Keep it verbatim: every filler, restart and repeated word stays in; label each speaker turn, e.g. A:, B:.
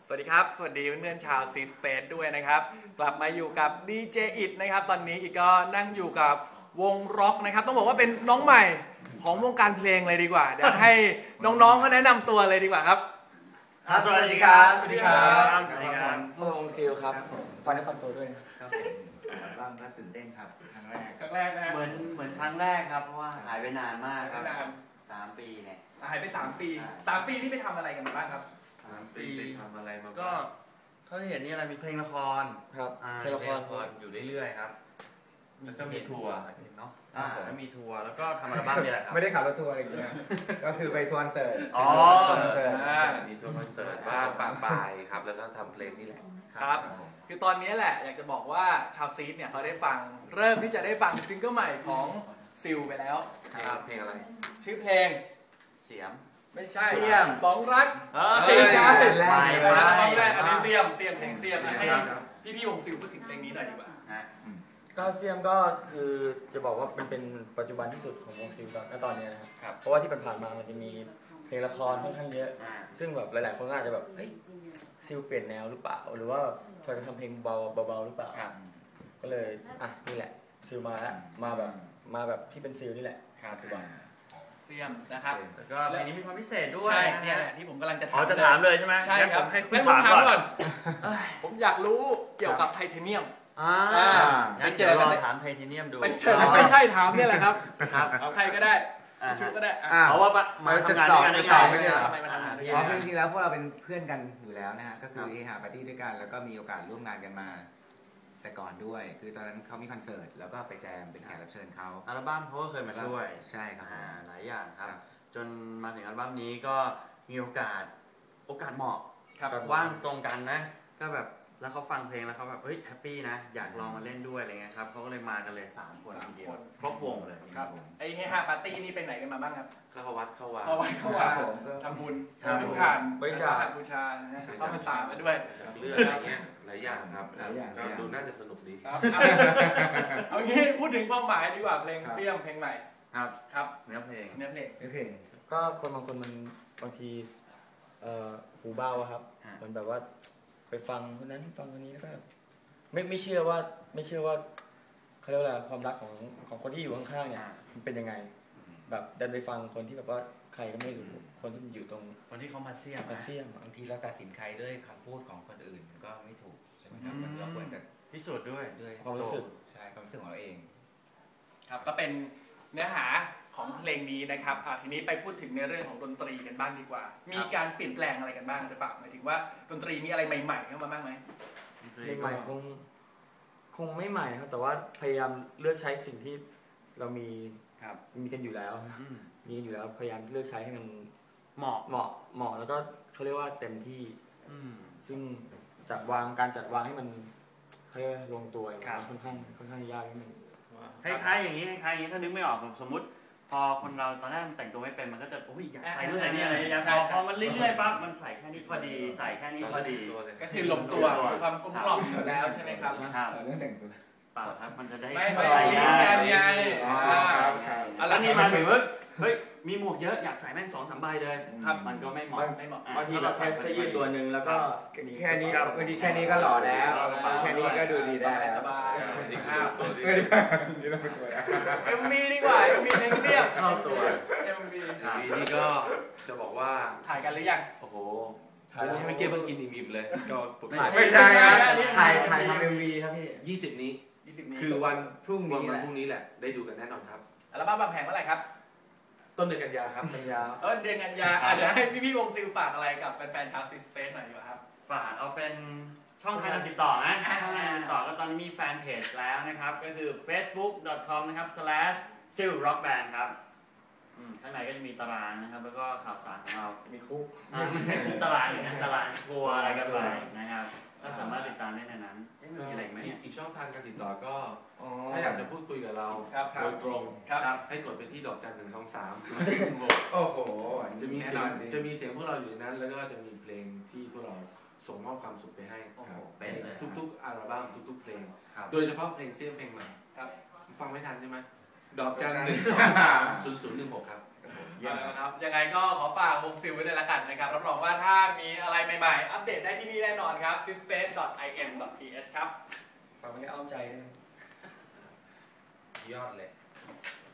A: สวัสดีครับสวัสดีเพื่อนๆชาวซีสเปซด้วยนะครับกลับมาอยู่กับดีเจอิดนะครับตอนนี้อีกก็นั่งอยู่กับวงร็อกนะครับต้องบอกว่าเป็นน้องใหม่ของวงการเพลงเลยดีกว่าเดี๋ยวให้น้องๆเขาแนะนำตัวเลยดีกว่าครับ
B: สวัสดีครับ
A: สวัสดีครับ
B: สวัสดีครับ
C: พวกวงซิลครับฟันได้ฟันตัวด้วย
B: ครับบ้างก็ตื่นเต้นครับครั้งแรก
A: ครั้งแรกนะ
B: เหมือนเหมือนครั้งแรกครับเพราะว่าหายไปนานมากครับสามปีเนี่ย
A: หายไปสามปีสามปีนี่ไปทำอะไรกันบ้างครับ
D: สามปีไปทำอะไรมา
B: ก็เท่าที่เห็นนี่อะไรมีเพลงละคร
C: ครับ
B: เพลงละครอยู่เรื่อยๆครับ
D: แล้วก็มีทัวร์
B: เนาะอ่าแล้วมีทัวร์แล้วก็ทำอัลบั้มนี่แหละครับ
C: ไม่ได้ขับรถทัวร์อะไรอย่างเงี้ยก็คือไปทัวร์คอนเสิร์ต
B: อ๋อ
D: มีทัวร์คอนเสิร์ตบ้างปะปายครับแล้วก็ทำเพลงนี่แหละ
A: ครับคือตอนนี้แหละอยากจะบอกว่าชาวซีดเนี่ยเขาได้ฟังเริ่มที่จะได้ฟังซิงเกิลใหม่ของซิลไปแล้ว
D: ครับเพลงอะไร
A: ชื่อเพลง
B: เสียม
A: ไม่ใช่เสียมสองรัก
B: เฮ้ยใช่
A: แรกแรกอันนี้เสียมเสียมเพลงเสียมให้พี่พี่วงซิลพูดถึงเพลงนี้หน่อยดีกว่า
C: ก็เสียมก็คือจะบอกว่ามันเป็นปัจจุบันที่สุดของวงซิลณตอนนี้นะครับเพราะว่าที่ผ่านมามันจะมีเพลงละครค่อนข้างเยอะซึ่งแบบหลายๆคนก็อาจจะแบบเฮ้ยซิลเปลี่ยนแนวหรือเปล่าหรือว่าพอจะทำเพลงเบาเบาๆหรือเปล่าก็เลยอ่ะนี่แหละซิลมาแล้วมาแบบมาแบบที่เป็นซิลนี่แหละปัจจุบัน
A: เสียมนะครับ
B: แล้วก็เพลงนี้มีความพิเศษด้วย
A: ใช่เนี่ยที่ผมกำลังจะถาม
B: อ๋อจะถามเลยใช่ไหม
A: ใช่ครับ
B: ให้คุณ
A: ถาม
B: ก่อน
A: ผมอยากรู้เกี่ยวกับไทเทเนียม
B: อ่า
A: ไปเจอกัน
B: ถามไทเทเนียมดู
A: ไปเจอไม่ใช่ถามเนี่ยแหละครับครับเอาใครก็ได้ชุดก็ได้
B: เพราะว่ามาทำงานด้วยกันได้ไง
C: ไม่ใช่
A: ทำไมมาทำงานด้วย
C: กันจริงๆแล้วพวกเราเป็นเพื่อนกันอยู่แล้วนะฮะก็คือหาปาร์ตี้ด้วยกันแล้วก็มีโอกาสร่วมงานกันมาแต่ก่อนด้วยคือตอนนั้นเขามีคอนเสิร์ตแล้วก็ไปแจมเป็นแขกรับเชิญเขา
B: อัลบั้มเขาก็เคยมาช่วย
C: ใช่ครับ
B: หลายอย่างครับจนมาถึงอัลบั้มนี้ก็มีโอกาสโอกาสเหมาะว่างตรงกันนะก็แบบแล้วเขาฟังเพลงแล้วเขาแบบเฮ้ยแฮปปี้นะอยากลองมาเล่นด้วยอะไรเงี้ยครับเขาก็เลยมากันเลยสามคนทีเดียวครบวงเลย
A: ครับไอ้เฮฮาปาร์ตี้นี่ไปไหนกันมาบ้างครับ
D: เข้าวัดเข้าวัด
A: เข้าวัดเข้าวัดทำบุญทำบุญผ่านบริจาคบูชาเข้าพรรษามาด้วย
D: เรื่องอะไรเงี้ยหลายอย่างครับก็ดูน่าจะสนุกดี
A: ครับเอางี้พูดถึงความหมายดีกว่าเพลงเสี่ยมเพลงใหม่
B: ครับ
A: ครับ
B: เนื้อเพลง
A: เนื้อเพลง
C: เนื้อเพลงก็คนบางคนมันบางทีหูเบาครับมันแบบว่าไปฟังคนนั้นฟังคนนี้แล้วก็ไม่ไม่เชื่อว่าไม่เชื่อว่าเขาเรียกว่าอะไรความรักของของคนที่อยู่ข้างๆเนี่ยมันเป็นยังไงแบบเดินไปฟังคนที่แบบว่าใครก็ไม่รู้คนที่อยู่ตรง
B: คนที่เขามาเสี่ยม
C: มาเสี่ยม
E: บางทีเราตัดสินใครด้วยคำพูดของคนอื่นก็ไม่ถูกใช่ไหมครับเราควรจะ
B: พิสูจน์ด้วย
C: ด้วยความรู้สึก
E: ใช่ความรู้สึกของเราเอง
A: ครับก็เป็นเนื้อหาของเพลงนี้นะครับทีนี้ไปพูดถึงในเรื่องของดนตรีกันบ้างดีกว่ามีการเปลี่ยนแปลงอะไรกันบ้างหรือเปล่าหมายถึงว่าดนตรีมีอะไรใหม่ๆเข้ามาบ้างไหม
C: ใหม่คงคงไม่ใหม่ครับแต่ว่าพยายามเลือกใช้สิ่งที่เรามีมีกันอยู่แล้วมีอยู่แล้วพยายามเลือกใช้ให้มัน
B: เหมาะ
C: เหมาะเหมาะแล้วก็เขาเรียกว่าเต็มที่ซึ่งจัดวางการจัดวางให้มันเขาเรียกลงตัวค่อนข้างค่อนข้างยากนิดนึง
B: คล้ายๆอย่างนี้คล้ายๆอย่างนี้ถ้านึกไม่ออกสมมติพอคนเราตอนแรกแต่งตัวไม่เป็นมันก็จะโอ้ยอยากใส่นู่นใส่นี่อะไรอยากพอมันเรื่อยๆปั๊บมันใส่แค่นี้พอดีใส่แค่นี้พอดี
A: ก็คือลงตัวมีความกลมกล่อมแล้วใช่ไหมครับ
C: ใส่เรื่องแต่งตัว
B: เปล่าครับมันจะได้
A: ไม่ไม่ลิงกันไง
B: แล้วนี่มาถึงว่าเฮ้ยมีหมวกเยอะอยากใส่แม่งสองสามใบเลยครับมันก็ไม่เหมาะ
C: ไม่เหมาะบางทีเราใส่เสื้อยืดตัวหนึ่งแล้วก็แค่นี้บางทีแค่นี้ก็หล่อแล้วแค่นี้ก็ดูดีได้
A: สบายเอ็มวีดี
C: กว่า
A: เอ็มวีเพลงเสี่ยม
B: เข้าตัว
A: เอ็มวี
D: นี่ก็จะบอกว่า
A: ถ่ายกันหรือยัง
D: โอ้โหไม่เกี่ยวกับกินอิ่มๆเลยก็
C: ไม่ใช่ครับถ่ายถ่ายทำเอ็มวีครับพี่
D: ยี่สิบนี้คือวันพรุ่งนี้วันพรุ่งนี้แหละได้ดูกันแน่นอนครับ
A: อัลบั้มบางแผงเมื่อไหร่ครับ
D: ต้นเดือนกันยาครับ
C: กันยา
A: เออเดือนกันยาเดี๋ยวให้พี่พี่วงซิลฝากอะไรกับแฟนๆชาวซีสเปซหน่อยดีกว่าครับ
B: ฝากเอาเป็นช่องทางการติดต่อนะช่องทางการติดต่อก็ตอนนี้มีแฟนเพจแล้วนะครับก็คือ เฟซบุ๊ก ดอท คอม นะครับ สแลช ซิล ร็อก แบนด์ ครับข้างในก็จะมีตารางนะครับแล้วก็ข่าวสารของเรา
C: มีคุก
B: มีตารางอย่างนั้นตารางทัวร์อะไรกันไปนะครับก็สามารถติดตามได้ในนั้นมีอะไรไหม
D: อีกช่องทางการติดต่อก็ถ้าอยากจะพูดคุยกับเราโดยตรงให้กดไปที่ดอกจันหนึ่งสองสามสี่หก
C: โอ้โห
D: จะมีเสียงจะมีเสียงพวกเราอยู่ในนั้นแล้วก็จะมีเพลงที่พวกเราส่งมอบความสุขไปให้ทุกๆอัลบั้มทุกๆเพลงโดยเฉพาะเพลงเสี่ยมเพลงใหม่ฟังไม่ทันใช่ไหมดอกจันหนึ่งสองสามศูนย์ศูนย์หนึ่งหกครับ
B: เยี่ยม
A: นะครับยังไงก็ขอฝากวงซิลไว้ด้วยละกันนะครับรับรองว่าถ้ามีอะไรใหม่ๆ อัปเดตได้ที่นี่แน่นอนครับ ซิสเปซ ดอท ไอ เอ็น ดอท ที เอช ครับ
C: ฝากไว้ในอ้อมใจด้วย
D: ยอดเลย